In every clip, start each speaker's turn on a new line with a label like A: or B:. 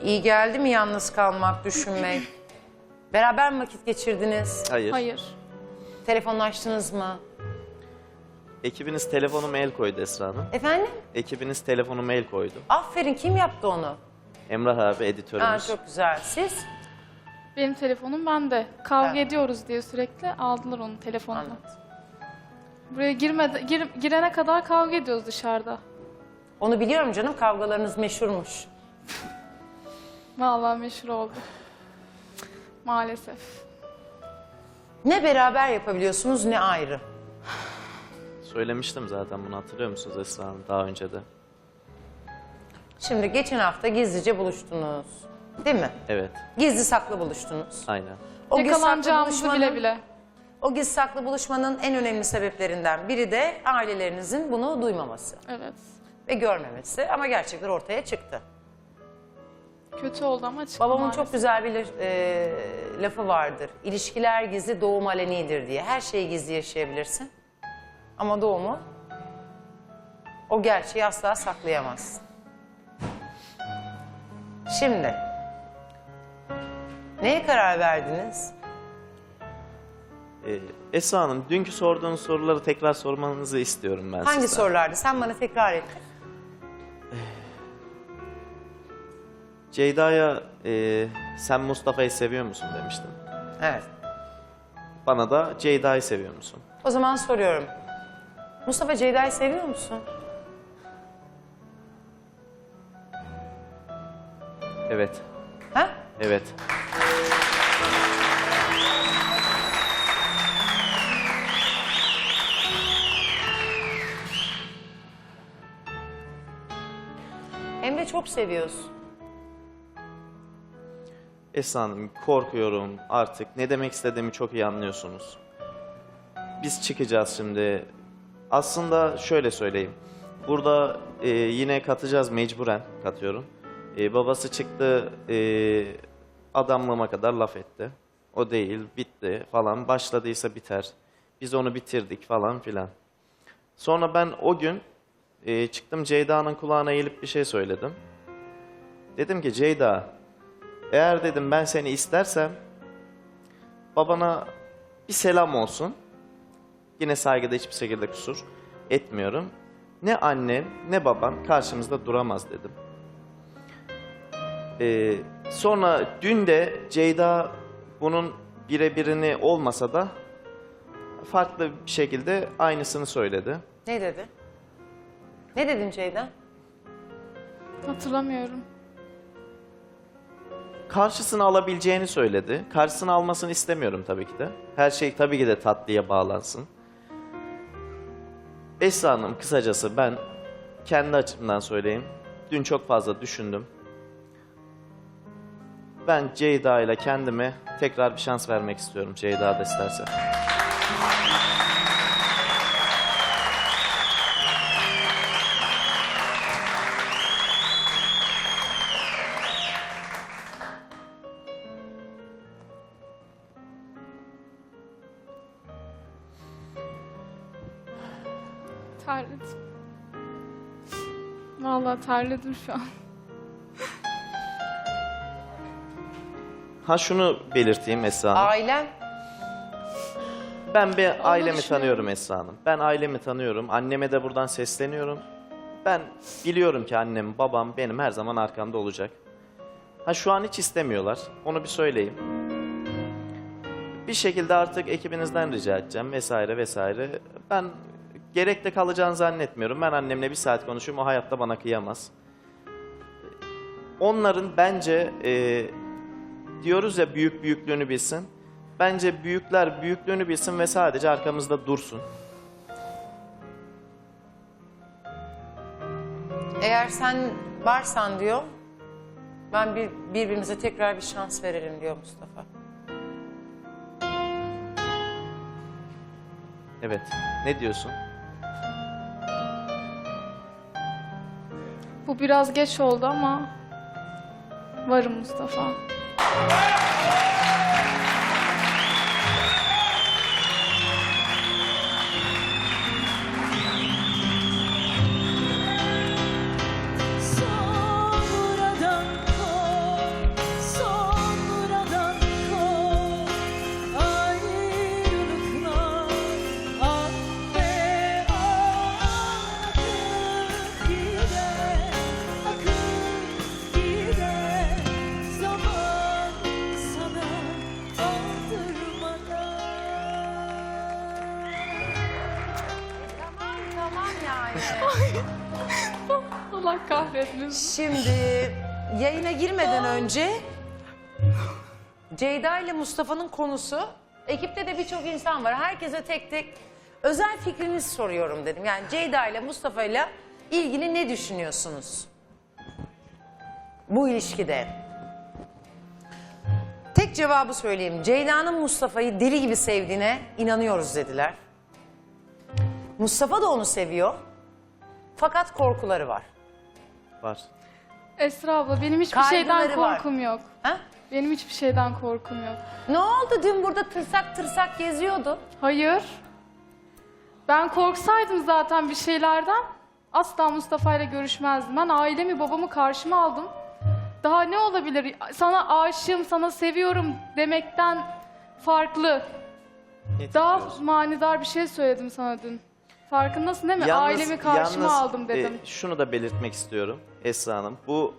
A: İyi geldi mi yalnız kalmak, düşünmek? Beraber mi vakit geçirdiniz?
B: Hayır.
C: Hayır.
A: Telefonlaştınız mı?
B: Ekibiniz telefonuma el koydu Esra Hanım.
A: Efendim?
B: Ekibiniz telefonuma el koydu.
A: Aferin, kim yaptı onu?
B: Emrah abi
A: Ha,
B: editörümüz.
A: çok güzel. Siz?
C: Benim telefonum bende. Kavga
A: Ha.
C: ediyoruz diye sürekli aldılar onun telefonunu.
A: Anladım.
C: Buraya girene kadar kavga ediyoruz dışarıda.
A: Onu biliyorum canım, kavgalarınız meşhurmuş.
C: Vallahi meşhur oldu. Maalesef.
A: Ne beraber yapabiliyorsunuz ne ayrı.
B: Söylemiştim zaten bunu, hatırlıyor musunuz Esra Hanım daha önce de?
A: Şimdi geçen hafta gizlice buluştunuz. Değil mi?
B: Evet,
A: Gizli saklı buluştunuz.
B: aynen.
A: O gizli saklı
C: Yakalanacağımızı
A: buluşmanın-
C: bile bile.
A: O gizli saklı buluşmanın en önemli sebeplerinden biri de ailelerinizin bunu duymaması
C: Evet.
A: ve görmemesi. Ama gerçekler ortaya çıktı.
C: Kötü oldu ama çıktı
A: Babamın
C: maalesef.
A: çok güzel bir lafı vardır. İlişkiler gizli, doğum alenidir diye. Her şeyi gizli yaşayabilirsin. Ama doğumu, o gerçeği asla saklayamazsın. Şimdi, neye karar verdiniz?
B: Esra Hanım, dünkü sorduğunuz soruları tekrar sormanızı istiyorum ben
A: Hangi
B: sizden.
A: sorulardı? Sen bana tekrar et.
B: Ceyda'ya sen Mustafa'yı seviyor musun demiştin.
A: Evet.
B: Bana da Ceyda'yı seviyor musun?
A: O zaman soruyorum. Mustafa, Ceyda'yı seviyor musun?
B: Evet,
A: Ha?
B: evet.
A: Hem de çok seviyorsun.
B: Esra Hanım, korkuyorum artık. Ne demek istediğimi çok iyi anlıyorsunuz. Biz çıkacağız şimdi. Aslında şöyle söyleyeyim. Burada yine katacağız, mecburen katıyorum. Babası çıktı, adamlığıma kadar laf etti. O değil, bitti falan. Başladıysa biter. Biz onu bitirdik falan filan. Sonra ben o gün çıktım, Ceyda'nın kulağına eğilip bir şey söyledim. Dedim ki Ceyda, eğer dedim ben seni istersem babana bir selam olsun. Yine saygıda hiçbir şekilde kusur etmiyorum. Ne annem ne babam karşımızda duramaz dedim. Sonra dün de Ceyda bunun birebirini olmasa da farklı bir şekilde aynısını söyledi.
A: Ne dedi? Ne dedin Ceyda?
C: Hatırlamıyorum.
B: Karşısına alabileceğini söyledi. Karşısına almasını istemiyorum tabii ki de. Her şey tabii ki de tatlıya bağlansın. Esra Hanım, kısacası ben kendi açımdan söyleyeyim. Dün çok fazla düşündüm. Ben Ceyda ile kendime tekrar bir şans vermek istiyorum, Ceyda da isterse.
C: Terledim. Vallahi terledim şu an.
B: Ha, şunu belirteyim Esra Hanım.
A: Ailen?
B: Ben bir ailemi
C: düşünüyorum.
B: tanıyorum Esra Hanım. Ben ailemi tanıyorum. Anneme de buradan sesleniyorum. Ben biliyorum ki annem, babam benim her zaman arkamda olacak. Ha, şu an hiç istemiyorlar. Onu bir söyleyeyim. Bir şekilde artık ekibinizden rica edeceğim vesaire vesaire. Ben gerekte kalacağını zannetmiyorum. Ben annemle bir saat konuşuyorum. O hayatta bana kıyamaz. Onların bence diyoruz ya, büyük büyüklüğünü bilsin. Bence büyükler büyüklüğünü bilsin ve sadece arkamızda dursun.
A: Eğer sen varsan diyor, ben birbirimize tekrar bir şans verelim diyor Mustafa.
B: Evet. Ne diyorsun?
C: Bu biraz geç oldu ama varım Mustafa.
D: Sonradan
C: Allah kahretmesin.
A: Şimdi yayına girmeden önce Ceyda ile Mustafa'nın konusu, ekipte de birçok insan var. Herkese tek tek özel fikrinizi soruyorum dedim. Yani Ceyda ile Mustafa ile ilgili ne düşünüyorsunuz? Bu ilişkide. Tek cevabı söyleyeyim. Ceyda'nın Mustafa'yı deli gibi sevdiğine inanıyoruz dediler. Mustafa da onu seviyor. Fakat korkuları var.
B: Var.
C: Esra abla benim hiçbir
A: Kaygıları
C: şeyden
A: var.
C: korkum yok.
A: Ha?
C: Benim hiçbir şeyden korkum yok.
A: Ne oldu? Dün burada tırsak tırsak geziyordu.
C: Hayır. Ben korksaydım zaten bir şeylerden asla Mustafa ile görüşmezdim. Ben ailemi, babamı karşıma aldım. Daha ne olabilir? Sana aşığım, sana seviyorum demekten farklı.
B: Ne
C: Daha
B: diyorsun?
C: manidar bir şey söyledim sana dün. Farkındasın değil mi? Ailemi karşıma aldım dedim.
B: Şunu da belirtmek istiyorum Esra Hanım. Bu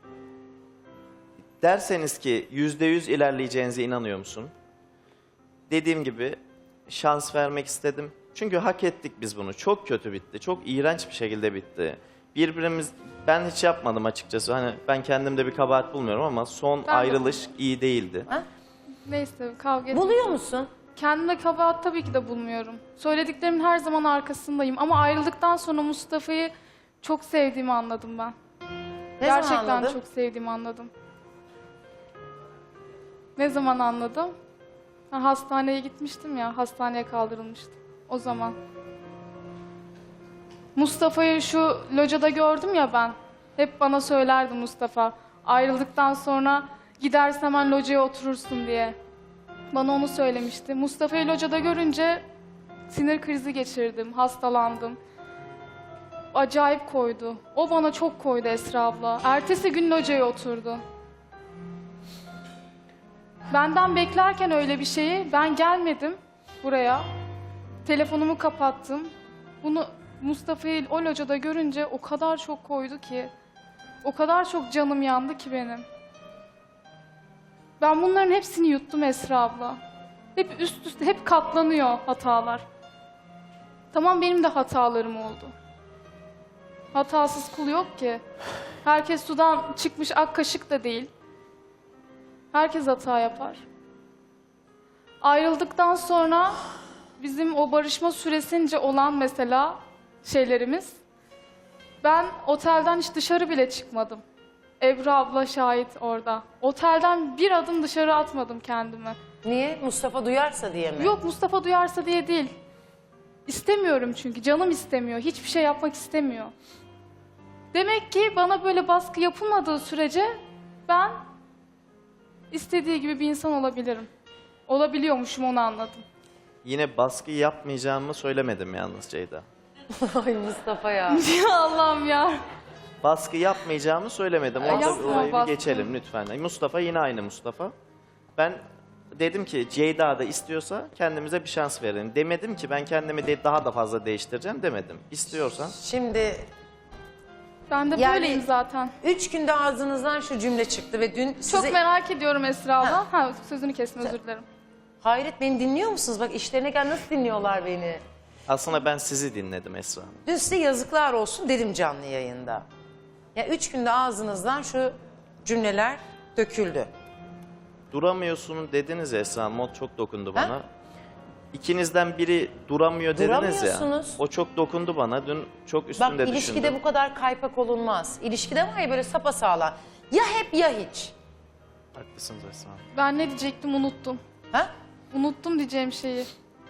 B: derseniz ki %100 ilerleyeceğinize inanıyor musun? Dediğim gibi şans vermek istedim. Çünkü hak ettik biz bunu. Çok kötü bitti. Çok iğrenç bir şekilde bitti. Ben hiç yapmadım açıkçası. Hani ben kendimde bir kabahat bulmuyorum ama son
C: Ben de.
B: ayrılış iyi değildi.
C: Neyse kavga etmek.
A: Buluyor musun?
C: Kendime kabahat tabii ki de bulmuyorum. Söylediklerimin her zaman arkasındayım. Ama ayrıldıktan sonra Mustafa'yı çok sevdiğimi anladım ben.
A: Ne zaman
C: Gerçekten
A: anladın?
C: çok sevdiğimi anladım. Ne zaman anladım? Ha, hastaneye gitmiştim ya, hastaneye kaldırılmıştım. O zaman. Mustafa'yı şu locada gördüm ya ben. Hep bana söylerdi Mustafa. Ayrıldıktan sonra gidersen hemen locaya oturursun diye. Bana onu söylemişti. Mustafa'yı locada görünce sinir krizi geçirdim, hastalandım. Acayip koydu. O bana çok koydu Esra abla. Ertesi gün locaya oturdu. Benden beklerken öyle bir şeyi ben gelmedim buraya. Telefonumu kapattım. Bunu Mustafa'yı o locada görünce o kadar çok koydu ki. O kadar çok canım yandı ki benim. Ben bunların hepsini yuttum Esra abla. Hep üst üste, hep katlanıyor hatalar. Tamam benim de hatalarım oldu. Hatasız kul yok ki. Herkes sudan çıkmış ak kaşık da değil. Herkes hata yapar. Ayrıldıktan sonra bizim o barışma süresince olan mesela şeylerimiz. Ben otelden hiç dışarı bile çıkmadım. Ebru abla şahit orada. Otelden bir adım dışarı atmadım kendimi.
A: Niye? Mustafa duyarsa diye mi?
C: Yok Mustafa duyarsa diye değil. İstemiyorum çünkü canım istemiyor. Hiçbir şey yapmak istemiyor. Demek ki bana böyle baskı yapılmadığı sürece ben istediği gibi bir insan olabilirim. Olabiliyormuşum onu anladım.
B: Yine baskı yapmayacağımı söylemedim yalnız Ceyda.
A: Ay Mustafa ya.
C: Ya Allah'ım ya.
B: Baskı yapmayacağımı söylemedim. Orada
C: Yapma
B: orayı bir
C: baskı.
B: geçelim lütfen. Mustafa yine aynı Mustafa. Ben dedim ki Ceyda da istiyorsa kendimize bir şans verelim. Demedim ki ben kendimi daha da fazla değiştireceğim demedim. İstiyorsan
A: Şimdi
C: Ben de
A: Yani-
C: böyleyim zaten.
A: 3 günde ağzınızdan şu cümle çıktı ve dün size...
C: Çok merak ediyorum Esra abla. Ha, sözünü kestim özür dilerim.
A: Hayret, beni dinliyor musunuz? Bak işlerine gel, nasıl dinliyorlar beni.
B: aslında ben sizi dinledim Esra Hanım.
A: Dün size yazıklar olsun dedim canlı yayında. Ya 3 günde ağzınızdan şu cümleler döküldü.
B: Duramıyorsun dediniz ya Esra Hanım. O çok dokundu bana.
A: Ha?
B: İkinizden biri duramıyor dediniz ya.
A: Duramıyorsunuz.
B: O çok dokundu bana. Dün çok üstünde
A: Bak ilişkide
B: düşündüm.
A: bu kadar kaypak olunmaz. İlişkide var ya böyle sapasağlam. Ya hep ya hiç.
B: Haklısınız Esra Hanım.
C: Ben ne diyecektim unuttum.
A: Ha?
C: Unuttum diyeceğim şeyi.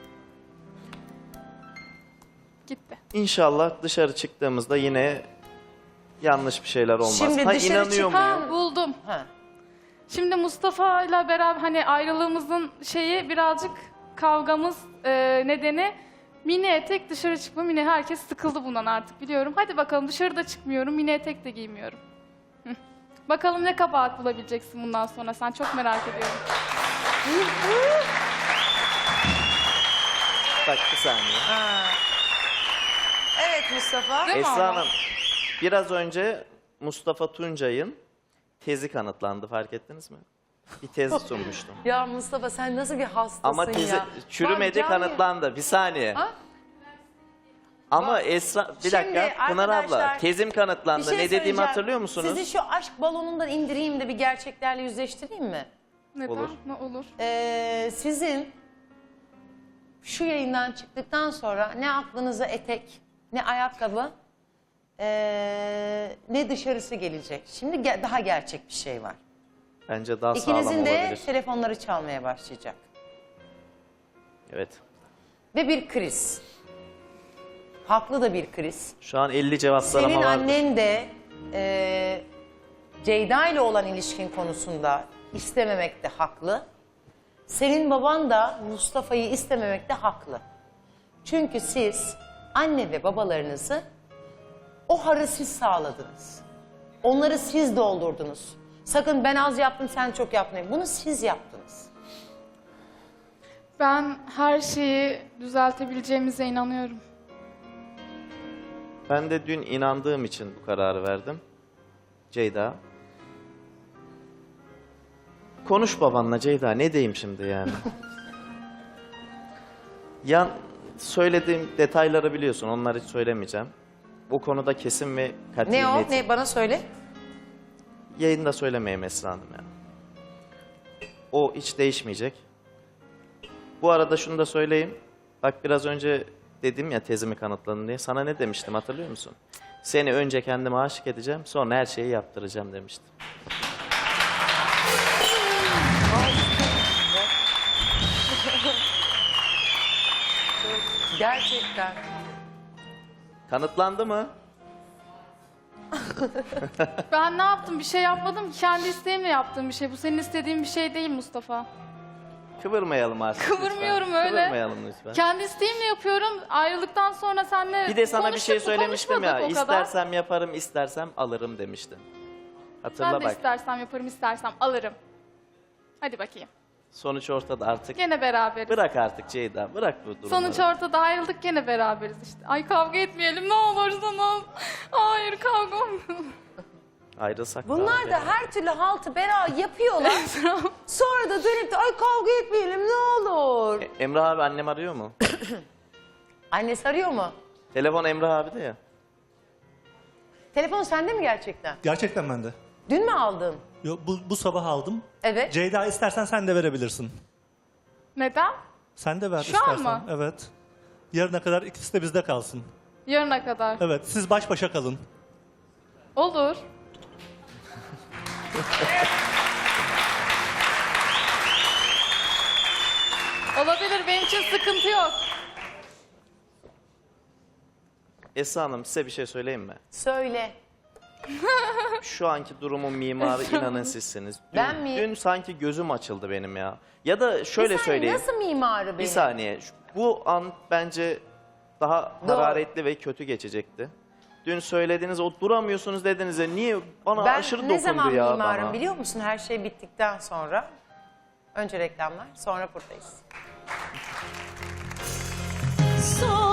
C: Gitti.
B: İnşallah dışarı çıktığımızda yine yanlış bir şeyler olmaz.
A: Şimdi
B: ha
A: dışarı
B: inanıyor
A: çıkan-
B: muyum?
C: Buldum.
A: Ha.
C: Şimdi Mustafa ile beraber hani ayrılığımızın şeyi birazcık kavgamız nedeni mini etek dışarı çıkma. Mini herkes sıkıldı bundan artık biliyorum. Hadi bakalım dışarıda çıkmıyorum. Mini etek de giymiyorum. Hı. Bakalım ne kabahat bulabileceksin bundan sonra. Sen çok merak ediyorum.
B: Bak bir saniye.
A: Ha. Evet Mustafa.
C: Değil mi
B: Esra
C: ama?
B: Hanım, biraz önce Mustafa Tuncay'ın tezi kanıtlandı, fark ettiniz mi? Bir tez sunmuştum.
A: Ya Mustafa sen nasıl bir hastasın
B: Ama tezi
A: ya.
B: çürümedi,
A: Bak, canlı-
B: kanıtlandı. Bir saniye.
A: Ha?
B: Ama Esra bir
A: Şimdi
B: dakika Pınar abla
A: arkadaşlar,
B: tezim kanıtlandı.
A: Bir şey
B: Ne dediğimi
A: söyleyeceğim.
B: hatırlıyor musunuz?
A: Sizi şu aşk balonundan indireyim de bir gerçeklerle yüzleştireyim mi?
C: Neden?
B: Olur.
C: Ne olur?
A: Sizin şu yayından çıktıktan sonra ne aklınıza etek, ne ayakkabı, ne dışarısı gelecek. Şimdi daha gerçek bir şey var.
B: Bence daha sağlam
A: İkinizin de
B: olabilir.
A: telefonları çalmaya başlayacak.
B: Evet.
A: Ve bir kriz. Haklı da bir kriz.
B: Şu an 50 cevaplarıma
A: Senin
B: vardır.
A: annen de Ceyda ile olan ilişkin konusunda istememekte haklı. Senin baban da Mustafa'yı istememekte haklı. Çünkü siz anne ve babalarınızı o harı siz sağladınız. Onları siz doldurdunuz. Sakın ben az yaptım sen çok yapmayın. Bunu siz yaptınız.
C: Ben her şeyi düzeltebileceğimize inanıyorum.
B: Ben de dün inandığım için bu kararı verdim. Ceyda. Konuş babanla Ceyda. Ne diyeyim şimdi yani? Söylediğim detayları biliyorsun. Onları hiç söylemeyeceğim. Bu konuda kesin ve kat'i
A: Ne o?
B: netim.
A: Ne? Bana söyle.
B: Yayında söylemeyeyim Esra Hanım yani. O hiç değişmeyecek. Bu arada şunu da söyleyeyim. Bak biraz önce dedim ya tezimi kanıtladın diye. Sana ne demiştim hatırlıyor musun? Seni önce kendime aşık edeceğim, sonra her şeyi yaptıracağım demiştim.
A: Gerçekten.
B: Kanıtlandı mı?
C: Ben ne yaptım? Bir şey yapmadım ki. Kendi isteğimle yaptığım bir şey. Bu senin istediğin bir şey değil Mustafa.
B: Kıvırmayalım artık
C: Kıvırmıyorum
B: lütfen.
C: öyle.
B: Kıvırmayalım lütfen.
C: Kendi isteğimle yapıyorum. Ayrıldıktan sonra seninle
B: Bir de sana bir şey
C: konuştuk mu,
B: söylemiştim ya.
C: konuşmadık o kadar.
B: İstersem yaparım, istersem alırım demiştim. Hatırla
C: Ben de
B: bak.
C: istersem yaparım, istersem alırım. Hadi bakayım.
B: Sonuç ortada artık.
C: Gene beraberiz.
B: Bırak artık Ceyda, bırak bu durumları.
C: Sonuç ortada, ayrıldık, gene beraberiz işte. Ay kavga etmeyelim ne olursunuz. Hayır kavga olmayalım.
B: Ayrılsak
A: Bunlar
B: daha
A: da her türlü haltı bera yapıyorlar. Sonra da dönüp de ay kavga etmeyelim ne olur.
B: Emrah abi annem arıyor mu?
A: Annesi arıyor mu?
B: Telefon Emrah abi de ya.
A: Telefon sende mi gerçekten?
D: Gerçekten ben de.
A: Dün mü aldın?
D: Yo, bu sabah aldım.
A: Evet.
D: Ceyda istersen sen de verebilirsin.
C: Neden?
D: Sen de ver
C: Şu an
D: istersen.
C: mı?
D: Evet. Yarına kadar ikisi de bizde kalsın.
C: Yarına kadar.
D: Evet, siz baş başa kalın.
C: Olur. Olabilir, benim için sıkıntı yok.
B: Esra Hanım size bir şey söyleyeyim mi?
A: Söyle.
B: Şu anki durumun mimarı inanın sizsiniz. Dün,
A: Ben mi?
B: Dün sanki gözüm açıldı benim ya. Ya da şöyle
A: Bir saniye,
B: söyleyeyim.
A: nasıl mimarı benim?
B: Bir saniye. Bu an bence daha
A: Doğru.
B: hararetli ve kötü geçecekti. Dün söylediğiniz o duramıyorsunuz dediğinizde niye bana
A: Ben
B: aşırı
A: ne
B: dokundu
A: zaman
B: ya
A: mimarım
B: bana.
A: biliyor musun? Her şey bittikten sonra. Önce reklamlar, sonra buradayız.
E: Son